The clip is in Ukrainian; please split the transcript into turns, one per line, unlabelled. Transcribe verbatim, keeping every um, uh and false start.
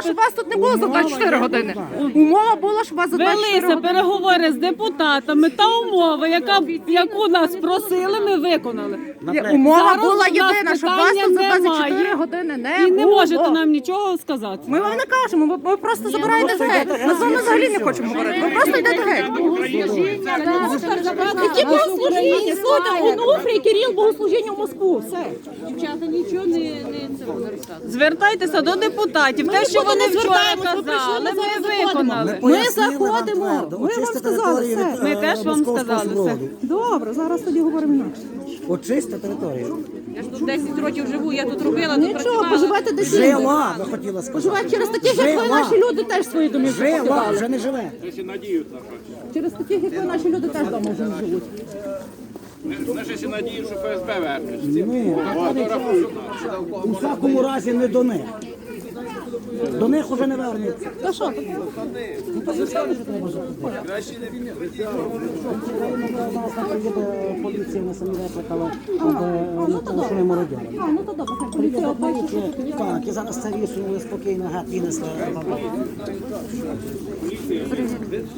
щоб вас тут не було за двадцять чотири години. Умова була, щоб вас за двадцять чотири
Велися
години.
переговори з депутатами та умова, яка, яку нас просили, ми виконали.
Ні, умова
Зараз
була
у нас
єдина, щоб вас
питання
тут за двадцять чотири
немає.
години не
І не
було.
можете нам нічого сказати.
Ми вам не кажемо, ви, ви просто забираєте геть. Ми з вами взагалі не хочемо говорити. Ви просто йдете геть. Які богослужіння? Слухайте, Онуфрій, Кирил, богослужіння в Москву. Все.
Дівчата нічого не, не цього не розказують.
Звертайтеся до депутатів.
Ми
Те, що
нікуди
вони
не
вчора
звертаємось, ми прийшли,
казали,
ми зараз
ми
заходимо.
виконали.
Ми
Пояснили вам
заходимо.
твердо,
Ми вам
очистити
сказали
територію
все.
від,
Ми
е,
теж вам
московського
сказали все.
супроводу.
Добре, зараз тоді говоримо інакше.
Очисти територію.
Я ж тут десять років живу, я тут робила, тут
Нічого,
працювала.
поживайте десь.
Жила, ви хотіла сказати.
Поживайте через таких, як ви,
Жила.
наші люди теж свої домівки
Жила,
покидали.
вже не живе.
Через таких, як ви, наші люди теж вдома вже не живуть.
Ми ще надію, що ФСБ вернеться.
Ні, у всякому разі не до них. До них уже не вернеться.
Та що?
Поліція на самі викликала, щоб телефонуємо мародяри.
А, ну то добре, хай поліція обмежить.
Так, і зараз це висунули спокійно, гад винесли.